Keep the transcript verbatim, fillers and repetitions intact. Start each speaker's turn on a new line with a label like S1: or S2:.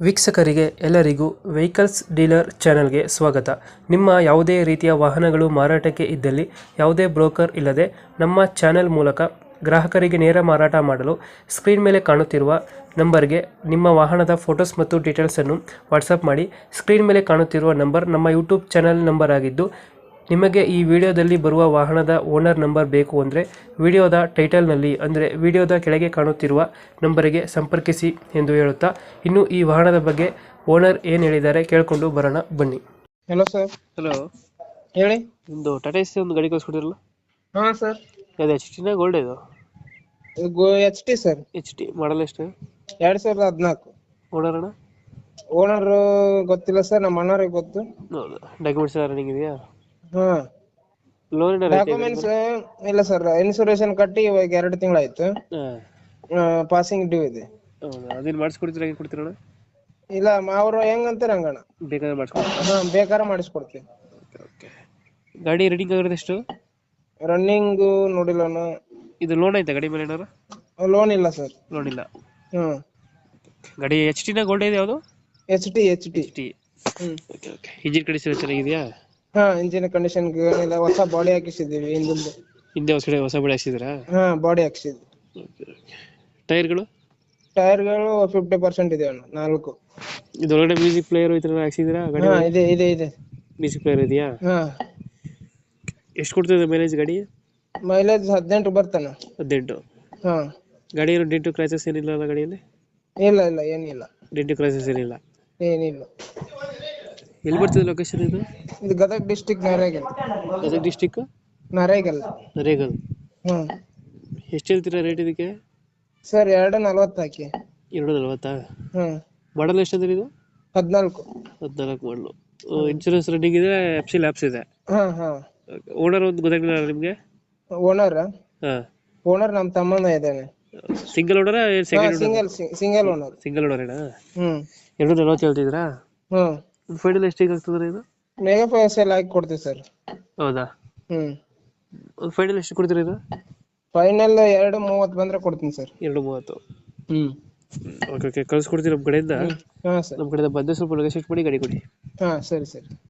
S1: ವೀಕ್ಷಕರಿಗೆ ಎಲ್ಲರಿಗೂ vehicles dealer ಚಾನೆಲ್ಗೆ ಸ್ವಾಗತ. ನಿಮ್ಮ ಯಾವುದೇ ರೀತಿಯ ವಾಹನಗಳು ಮಾರಾಟಕ್ಕೆ ಇದ್ದಲ್ಲಿ ಯಾವುದೇ ಬ್ರೋಕರ್ ಇಲ್ಲದೆ ನಮ್ಮ ಚಾನೆಲ್ ಮೂಲಕ ಗ್ರಾಹಕರಿಗೆ ನೇರ ಮಾರಾಟ ಮಾಡಲು ಸ್ಕ್ರೀನ್ ಮೇಲೆ ಕಾಣುತ್ತಿರುವ ನಂಬರ್ಗೆ ನಿಮ್ಮ ವಾಹನದ ಫೋಟೋಸ್ ಮತ್ತು ಡೀಟೇಲ್ಸನ್ನು ವಾಟ್ಸಪ್ ಮಾಡಿ. ಸ್ಕ್ರೀನ್ ಮೇಲೆ ಕಾಣುತ್ತಿರುವ ನಂಬರ್ ನಮ್ಮ ಯೂಟ್ಯೂಬ್ ಚಾನೆಲ್ ನಂಬರ್ ಆಗಿದ್ದು, ನಿಮಗೆ ಈ ವಿಡಿಯೋದಲ್ಲಿ ಬರುವ ವಾಹನದ ಓನರ್ ನಂಬರ್ ಬೇಕು ಅಂದರೆ ವಿಡಿಯೋದ ಟೈಟಲ್ನಲ್ಲಿ ಅಂದರೆ ವಿಡಿಯೋದ ಕೆಳಗೆ ಕಾಣುತ್ತಿರುವ ನಂಬರಿಗೆ ಸಂಪರ್ಕಿಸಿ ಎಂದು ಹೇಳುತ್ತಾ, ಇನ್ನು ಈ ವಾಹನದ ಬಗ್ಗೆ ಓನರ್ ಏನು ಹೇಳಿದ್ದಾರೆ ಕೇಳಿಕೊಂಡು ಬರೋಣ ಬನ್ನಿ.
S2: Hello sir.
S1: ಹಲೋ,
S2: ಹೇಳಿ.
S1: ಒಂದು ಟಾಟಾ ಎಸ್ ಒಂದು ಗಾಡಿ ಕಳಿಸ್ಕೊಡಿರಲ್ಲ?
S2: ಹಾ ಸರ್.
S1: ಅದು ಎಚ್ ಟಿನ ಗೋಲ್ಡ್ ಇದು?
S2: H T sir.
S1: H T model ಎಷ್ಟು?
S2: ಎರಡ್ ಸಾವಿರದ ಹದಿನಾಲ್ಕು.
S1: ಓನರ್ ಅಣ್ಣ?
S2: ಓನರ್ ಗೊತ್ತಿಲ್ಲ ಸರ್, ನಮ್ಮ ಅಣ್ಣವ್ರಿಗೆ ಗೊತ್ತು.
S1: ಹೌದು. ಡಾಕ್ಯುಮೆಂಟ್ಸ್ ಎಲ್ಲ ರನ್ನಿಂಗ್ ಇದೆಯಾ?
S2: ಹಾ.
S1: ಲೋನ್
S2: ಡಾಕ್ಯುಮೆಂಟ್ಸ್ ಇಲ್ಲ ಸರ್, ಇನ್ಸೂರೆನ್ಸ್ ಕಟ್ಟಿ ಇವಾಗ ಎರಡು ತಿಂಗಳಾಯ್ತು. ಪಾಸಿಂಗ್ ಡ್ಯೂ ಇದೆ.
S1: ಹೌದಾ? ಅದೇನು ಮಾಡಿಸ್ಕೊಡ್ತೀರಾ? ಹೆಂಗೆ ಕೊಡ್ತೀರಣ್ಣ?
S2: ಇಲ್ಲ, ಅವ್ರು ಹೆಂಗಂತಾರ ಹಂಗಣ್ಣ.
S1: ಬೇಕಾದ್ರೆ ಮಾಡಿಸ್ಕೊಡ್ತೀರಾ?
S2: ಹಾ, ಬೇಕಾದ್ರೆ ಮಾಡಿಸ್ಕೊಡ್ತೀವಿ.
S1: ಓಕೆ. ಗಾಡಿ ರನ್ನಿಂಗ್ ಆಗಿರೋದು ಎಷ್ಟು?
S2: ರನ್ನಿಂಗ್ ನೋಡಿಲ್ಲ ಅಣ್ಣ.
S1: ಇದು ಲೋನ್ ಐತಾ ಗಾಡಿ ಮೇಲೆ ಏನಾರು?
S2: ಲೋನ್ ಇಲ್ಲ ಸರ್.
S1: ಲೋನ್ ಇಲ್ಲ.
S2: ಹ್ಮ್.
S1: ಗಾಡಿ ಎಚ್ ಟಿನ ಗೋಲ್ಡ್ ಇದೆ ಯಾವುದು?
S2: H T H T.
S1: T.
S2: ಹ್ಮ್.
S1: Okay okay. ಇಂಜಿನ್ ಕಂಡೀಷನ್ ಚೆನ್ನಾಗಿದೆಯಾ?
S2: ಹಾ, ಇಂಜಿನ್ ಕಂಡೀಷನ್ ಏನಿಲ್ಲ, ಹೊಸ ಬಾಡಿ ಹಾಕಿಸಿದೀವಿ ಹಿಂದಿಂದ.
S1: ಹಿಂದೆ ಹೊಸ ಹೊಸ ಬಡಿ ಹಾಕ್ಸಿದ್ರಾ?
S2: ಹಾ, ಬಾಡಿ ಹಾಕಿಸಿದ್ವಿ.
S1: Okay okay. ಟೈರ್ಗಳು?
S2: ಟೈರ್ಗಳು ಫಿಫ್ಟಿ ಪರ್ಸೆಂಟ್ ಇದೆ ಅಣ್ಣ, ನಾಲ್ಕು.
S1: ಇದೊಳಗಡೆ ಮ್ಯೂಸಿಕ್ ಪ್ಲೇಯರ್ ಈ ಥರ ಹಾಕ್ಸಿದ್ರಾ ಗಾಡಿ?
S2: ಹಾ, ಇದೆ ಇದೆ ಇದೆ.
S1: ಮ್ಯೂಸಿಕ್ ಪ್ಲೇಯರ್ ಇದೆಯಾ?
S2: ಹಾ.
S1: ಎಷ್ಟು ಕೊಡ್ತದೆ ಮೈಲೇಜ್ ಗಾಡಿ?
S2: ಮೈಲೇಜ್ ಹದಿನೆಂಟು ಬರ್ತಾನ.
S1: ಹದಿನೆಂಟು.
S2: ಹಾ.
S1: ಗಾಡಿ ಏನು ಡೆಂಟು ಕ್ರೈಸಸ್ ಏನಿಲ್ಲ ಅಲ್ಲ ಗಾಡಿಯಲ್ಲಿ?
S2: ಇಲ್ಲ ಇಲ್ಲ, ಏನಿಲ್ಲ.
S1: ಡೆಂಟು ಕ್ರೈಸಸ್ ಏನಿಲ್ಲ?
S2: ಏನಿಲ್ಲ.
S1: ಎಲ್ಲಿ ಬರ್ತದೆ ಲೊಕೇಶನ್ ಇದು?
S2: ಇದು ಗದಗ ಡಿಸ್ಟಿಕ್, ನರೇಗಲ್.
S1: ಗದಗ ಡಿಸ್ಟಿಕ್
S2: ನರೇಗಲ್.
S1: ನರೇಗಲ್.
S2: ಹ್ಮ್.
S1: ಎಷ್ಟು ಹೇಳ್ತೀರಾ ರೇಟ್ ಇದಕ್ಕೆ?
S2: ಸರ್, ಎರಡು ನಲ್ವತ್ತು ಹಾಕಿ.
S1: ಎರಡು ನಲ್ವತ್ತಾ?
S2: ಹ್ಮ್.
S1: ಮಾಡಲ್ ಎಷ್ಟಂದ್ರೆ ಇದು?
S2: ಹದಿನಾಲ್ಕು.
S1: ಹದಿನಾಲ್ಕು ಮಾಡಲು. ಇನ್ಶೂರೆನ್ಸ್ ರನ್ನಿಂಗ್ ಇದೆ, ಎಫ್ ಸಿ ಲ್ಯಾಪ್ಸ್ ಇದೆ.
S2: ಹಾ ಹಾ.
S1: ಓನರ್ ಒಂದು ಗೊತ್ತಾಗಿಲ್ಲ ನಿಮಗೆ?
S2: ಓನರ್
S1: ಹಾ.
S2: ಓನರ್ ನಮ್ಮ ತಮ್ಮನ ಇದ್ದಾನೆ.
S1: Single owner? Second
S2: single single owner.
S1: Single ಓನರೇನಾ?
S2: ಹ್ಮ್.
S1: ಎರಡು ನಲ್ವತ್ತು ಹೇಳ್ತಿದ್ರಾ?
S2: ಹ್ಮ್.
S1: ಫೈನಲ್ ಎಷ್ಟಿಗೆ ಆಗ್ತದೆ ಇದು?
S2: ಮೆಗಾ ಫೈನಾನ್ಸ್ ಎಲ್ಲ ಹಾಕಿ ಕೊಡ್ತೀವಿ ಸರ್.
S1: ಹೌದಾ?
S2: ಹ್ಮ್.
S1: ಒಂದು ಫೈನಲ್ ಎಷ್ಟು ಕೊಡ್ತೀರಾ ಇದು?
S2: ಫೈನಲ್ ಎರಡು ಮೂವತ್ತು ಬಂದ್ರೆ ಕೊಡ್ತೀನಿ ಸರ್.
S1: ಎರಡು ಮೂವತ್ತು.
S2: ಹ್ಮ್.
S1: ಓಕೆ ಓಕೆ, ಕಳ್ಸ್ಕೊಡ್ತೀನಿ ನಮ್ಮ ಕಡೆಯಿಂದ.
S2: ಹಾ ಸರ್.
S1: ನಮ್ಮ ಕಡೆಯಿಂದ ಬಂದು ಸ್ವಲ್ಪ ನೆಗೋಶಿಯೇಟ್ ಮಾಡಿ ಗಾಡಿ ಕೊಡಿ.
S2: ಹಾ, ಸರಿ ಸರಿ.